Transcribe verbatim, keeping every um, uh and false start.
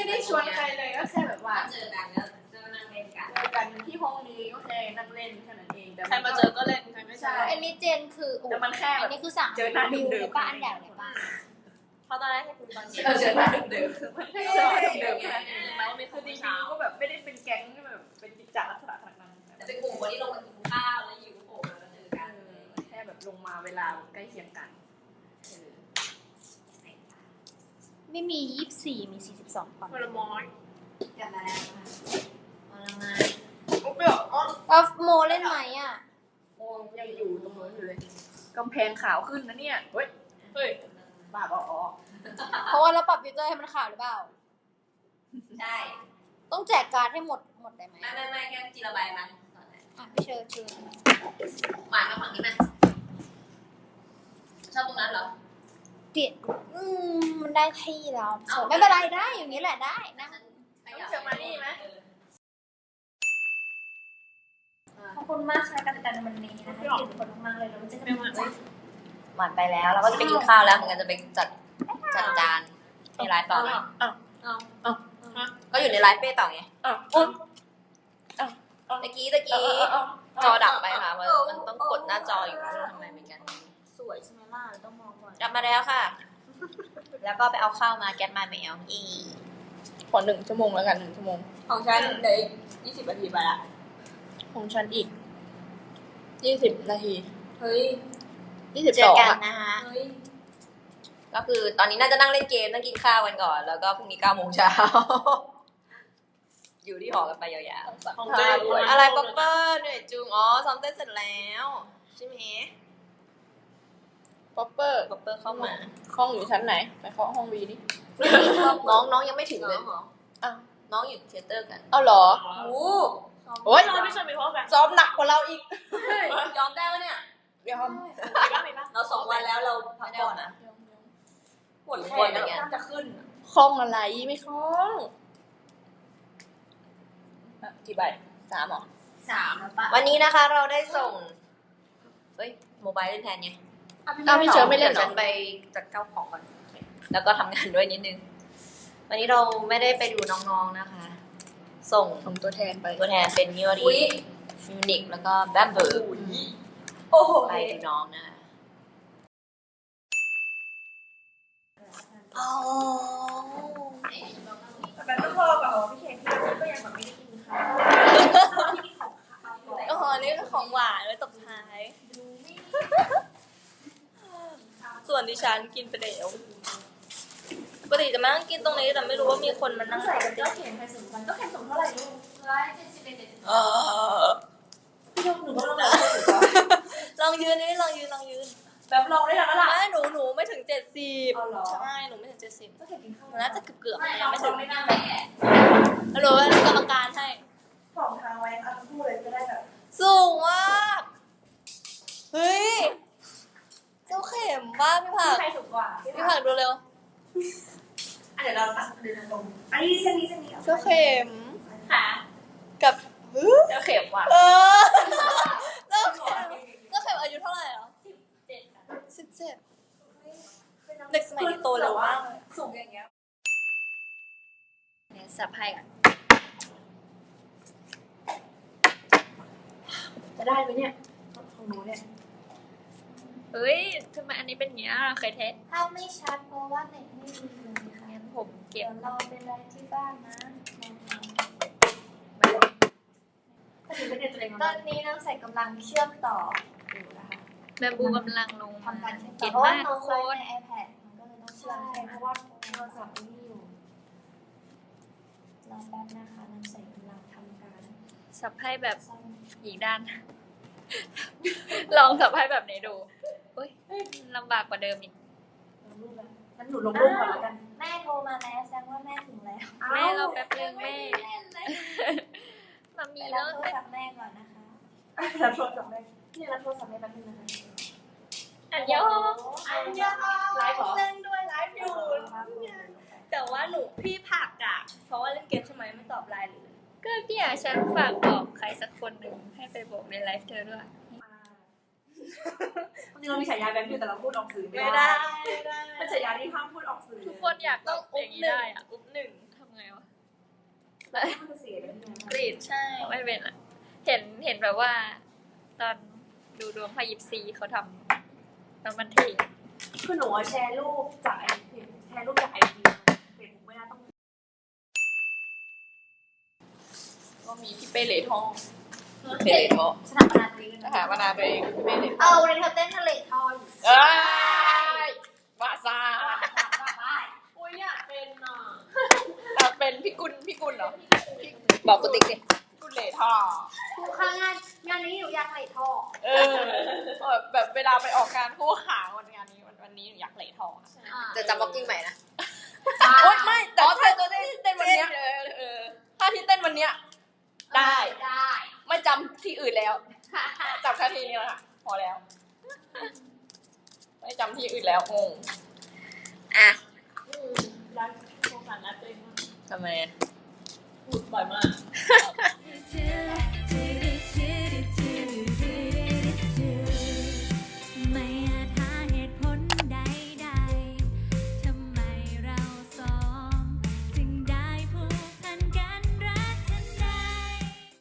ได้ชวนใครเลยก็แค่แบบว่าเจอกันแล้วจะนั่งเล่นกันเจอกันที่ห้องนี้ก็แค่นั่งเล่นแค่นั้นเองแต่ใครมาเจอก็เล่นใครไม่ใช่อันนี้เจนคือแต่มันแค่อันนี้คือสั่งเจอหน้าเดิมๆเลยป้าอันใหญ่เลยป้าเพราะตอนแรกให้คุณตอนเราเจอหน้าเดิมมันแค่เจอหน้าเดิมๆแค่นั้นเองแม้ว่ามีคืคือ อจจริริงงๆก็แบบไม่ได้เป็นแก๊งที่แบบเป็นกิจจลักษณะขนาดนั้นๆแต่เป็นกลุ่มคนที่ลงมากินข้าวแล้วอยู่โผล่มาแล้วเจอกันแค่แบบลงมาเวลาใกล้เคียงกันไม่มียี่สิบสี่มีสี่สิบสองคนผลไม้กลับมาแล้วมาแล้วมาโอ้เปรี้ยวอ๋อออฟโมเล่นไหมอ่ะโอ้ยังอยู่ตรงนู้นอยู่เลยกำแพงขาวขึ้นนะเนี่ยเฮ้ยเฮ้ยบ้าบออ๋อเพราะว่าเราปรับฟิลเตอร์ให้มันขาวหรือเปล่าใช่ต้องแจกการ์ดให้หมดหมดได้ไหมไม่ไม่ไม่แค่จีระบายมันอ่ะพี่เชิญเชิญหวานมาฝั่งนี้ไหมชอบตรงนั้นเหรอเปลี่ยนอืมมันได้ที่แล้วไม่เป็นไรได้อย่างนี้แหละได้นะต้องเจอมานี่ไหมขอบคุณมากค่ะการจัดการวันนี้นะคะขอบคุณมากเลยเราจะกันใหม่หวานไปแล้วเราก็จะไปกินข้าวแล้วเหมือนกันจะไปจัดจัดจานในไลฟ์ต่อไหมอ้าวอ้าวอ้าวฮะก็อยู่ในไลฟ์เป้ต่อไงอ้าวอ้าวตะกี้ตะกี้จอดับไปค่ะมันมันต้องกดหน้าจออยู่ไม่รู้ทำไมเหมือนกันสวยใช่ไหมล่ะต้องมองก่อนกลับมาแล้วค่ะ แล้วก็ไปเอาข้าวมาแก๊สมาแมวอีขอหนึ่งชั่วโมงแล้วกันหนึ่งชั่วโมงของฉันเดี๋ยวยี่สิบนาทีไปละของฉันอีกยี่สิบนาทีเฮ้ยยี่สิบเจสอองกันอ่ะนะคะเฮ้ยก็คือตอนนี้น่าจะนั่งเล่นเกมนั่งกินข้าวกันก่อน แล้วก็พรุ่งนี้เก้าโมงเช้าอยู่ที่หอกันไปยาวของเจ๊ด้วยๆอะไรป๊อปเปอร์เหนื่อยจุงอ๋อซ้อมเต้นเสร็จแล้วใช่ไหมป๊อปเปอร์ป๊อปเปอร์เข้ามาห้องอยู่ชั้นไหนไปเคาะห้องวีดิน้องน้องยังไม่ถึงเลยอ้าวน้องอยู่เทยเตอร์กันเอาเหรอโอ้โอ๊ยไม่ชวนไปพร้อมกันซ้อมหนักกว่าเราอีกยอมได้ปะเนี่ยยอมไปบ้างไปบ้างเราสองวันแล้วเราพักผ่อนนะปวดแขนแล้วน่าจะขึ้นคล้องอะไรไม่คล้องอ่ะกี่ใบสามเหรอสามแล้วปะวันนี้นะคะเราได้ส่งเฮ้ยโมบายเล่นแทนไงอ้าวพี่เชิญไม่เล่นเหรดี๋ยวอฉันไปจัดเก้าของก่อนแล้วก็ทำงานด้วยนิดนึง วันนี้เราไม่ได้ไปดูน้องๆนะคะ ส่งส่งตัวแทนไปตัวแทนเป็นมิวรีฟิวนิกแล้วก็แบมเบอร์โอ้โหไปดูน้องนะคะอ๋อแต่ต้องรอก่อนพี่เคนที่ก็ยังแบบไม่ได้กินข้าวโอ้โหนี่ก็ของหวานไว้ตบท้าย ส่วนดิฉันกินไปแล้วปกติจะมานั่งกินตรงนี้แต่ไม่รู้ว่ามีคนมานั่งใส่กันก็เข็นใครสมกันก็เข็นสมเท่าไหร่ลูกร้อยเจ็ดสิบเอ็ดเจ็ดสิบเออพี่ยกหนูก็ลองเลยลองยืนนี่ลองยืนลองยืนแบบลองได้แล้วล่ะไม่หนูหนูไม่ถึงเจ็ดสิบเอาเหรอใช่หนูไม่ถึงเจ็ดสิบก็เข็นกินข้าวหนูน่าจะเกือบเกือบไม่ๆเราไม่ถึงไม่นั่งแม่แล้วหนูเป็นกรรมการให้สองทางไว้เอาทั้งคู่เลยจะได้แบบสูงมากเฮ้ยเจ้าเข็มบ้าพี่ผักใครสูงกว่าพี่ผักดูเร็วอ่ะเดี๋ยวเราตัดเดินตรงอันนี้เส้นนี้เส้นนี้เจ้าเข็มค่ะกับฮึเจอเข็มว่ะเออเจ้าเข็มเจ้าเข็มอายุเท่าไหร่อ่ะเจ็ดค่ะสิบเจ็ดเด็กสมัยนี้โตเร็วมากเลยสูงอย่างเงี้ยเนี่ยสับให้ก่อนจะได้ไหมเนี่ยของหนูเนี่ยเฮ้ยทำไมอันนี้เป็นอย่างเงี้ยเคยเทสถ้าไม่ชัดเพราะว่าเน็ตไม่ดีเลยค่ะงั้นผมเก็เดี๋บยวเราไปไลฟ์ที่บ้านนะถ้าถึงเป็นตัวเองตอนนี้น้องใส่กำลังเชื่อมต่ออยู่นะคะแบมบูกำลังลงทำการเชื่อมต่เก่อง เพราะว่ามากน้ทุองกคไลฟ์นใน iPad มันก็เลยต้องเชื่อมใช่เพราะว่าโทรศัพท์ไม่อยู่รอแป๊บนะคะน้องใส่กำลังทำการสับให้แบบซ่อมอีกด้าน ลองสับให้แบบนี้ดูอุ้ยลำบากกว่าเดิมอีกลงรูปแล้วงั้นหนูลงรูปก่อนแล้วกันแม่โทรมาแล้วแสดงว่าแม่ถึงแล้วแม่เราแป๊บนึงแม่เล่นเลยมามีไปแล้รับวโทรศัพท์แม่ก่อนนะคะรับโทรศัพท์ได้นี่รับโทรศัพท์ได้แป๊บนึงนะคะอันยองอันยองไลฟ์เหรอเล่นด้วยไลฟ์อยู่แต่ว่าหนูพี่ผักอะเพราะว่าเล่นเกมใช่ไหมไม่ตอบไลน์เลยก็เนี่ยฉันฝากบอกใครสักคนหนึ่งให้ไปบอกในไลฟ์เธอด้วยจริงเรามีฉายาแบบอยู่แต่เราพูดออกสื่อไม่ไม่ได้ได้เป็นฉายาที่ห้ามพูดออกสื่อทุกคนอยากต้องอุ๊บหนึ่งอะอุ๊บหนึ่งทำไงวะมันจะเสียเลยที่ไหนกรีดใช่ไม่เป็นอ่ะ เห็นเห็นแบบว่า ตอนดูดวงพายิปซีเขาทำแล้วมันเท่คือหนูแชร์รูปจากไอจีแชร์รูปจากไอจีเฟซบุ๊กไม่ได้ต้องก็มีพี่เป้เหล่ทองเปเลโมสถาปนาตัวเองสถาปนาตัวเองพี่เป้เหล่ทเอออง วันนี้เธอเต้นทะเลทออยู่เอ้ยว่าซาอุ้ยอยากเป็นอ่ะอ่ะเป็นพี่กุลพี่กุลเหรอบอกกูติ๊กดิกุลเหล่ทองครูข้างงานงานนี้หนูอยากเลทอเออเออแบบเวลาไปออกงานคู่ขาวันงานนี้วันวันนี้หนูอยากเหล่ทองอะจะจำบ็อกกิ้งใหม่นะโอ๊ยไม่แต่อ๋อถ้าเธอตัวเต้นเต้นวันเนี้ยเออเออถ้าที่เต้นวันเนี้ยได้ได้ไม่จำที่อื่นแล้วจำแค่ที่นี้แล้วค่ะพอแล้ว ไม่จำที่อื่นแล้วงงอ่ะรักโครงการรักตัวเองมากทำไมพูดบ่อยมาก